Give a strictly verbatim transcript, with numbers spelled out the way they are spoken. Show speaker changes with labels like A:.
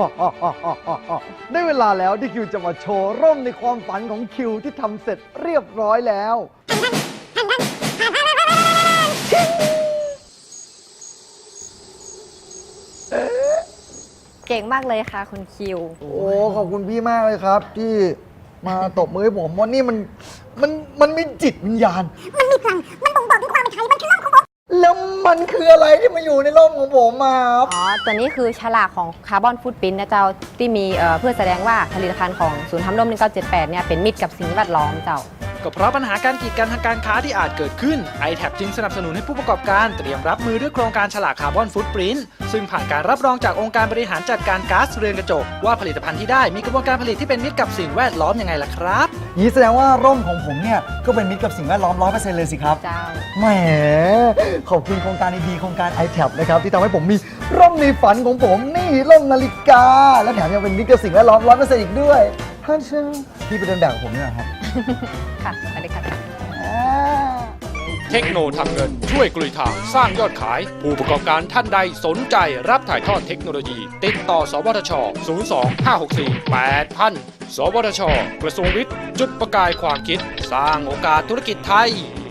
A: ได้เวลาแล้วที่คิวจะมาโชว์ร่มในความฝันของคิวที่ทำเสร็จเรียบร้อยแล้ว
B: เก่งมากเลยค่ะคุณคิว
A: โอ้ขอบคุณพี่มากเลยครับ ที่มาตบมือให้ผมว่านี่มันมันมันมีจิตวิญญาณ
C: มันมีพลัง มันบ่งบอกถึงความเป็นไทย มันคือร่มของผม
A: แล้วมันคืออะไรที่มาอยู่ในร่มของผมมาครับ
B: อ๋อ ตัวนี้คือฉลากของคาร์บอนฟุตปรินท์นะเจ้า ที่มีเอ่อเพื่อแสดงว่าผลิตภัณฑ์ของศูนย์ทำร่มหนึ่งเก้าเจ็ดแปดเนี่ยเป็นมิตรกับสิ่งแวดล้อมเจ้า
D: ก็เพราะปัญหาการกีดกันทางการค้าที่อาจเกิดขึ้น ไอ แท็บ จึงสนับสนุนให้ผู้ประกอบการเตรียมรับมือด้วยโครงการฉลากคาร์บอนฟุตปรินท์ซึ่งผ่านการรับรองจากองค์การบริหารจัดการก๊าซเรือนกระจกว่าผลิตภัณฑ์ที่ได้มีกระบวนการผลิตที่เป็นมิตรกับสิ่งแวดล้อมยังไงล่ะครับ
A: นี่แสดงว่าร่มของผมเนี่ยก็เป็นมิตรกับสิ่งแวดล้อม ร้อยเปอร์เซ็นต์ เลยสิครับ
B: เจ้า
A: แหมขอบคุณโครงการดีๆโครงการ ไอ แท็บ นะครับที่ทำให้ผมมีร่มในฝันของผมนี่ร่มนาฬิกา และแถมยังเป็นมิตรกับสิ่งแวดล้อม ร้อยเปอร์เซ็นต์ อีกด้วยท่านเชื่อพี่ไปเดินแบบกับผมเนี่ยเหรอครับ
B: ค่ะสวัสดีค่ะ
E: เทคโนทำเงินช่วยกลุยทางสร้างยอดขาย ผู้ประกอบการท่านใดสนใจรับถ่ายทอดเทคโนโลยี ติดต่อ สวทช ศูนย์ สอง ห้า หก สี่ แปด ศูนย์ ศูนย์ สวทช กระทรวงวิทย์ จุดประกายความคิด สร้างโอกาสธุรกิจไทย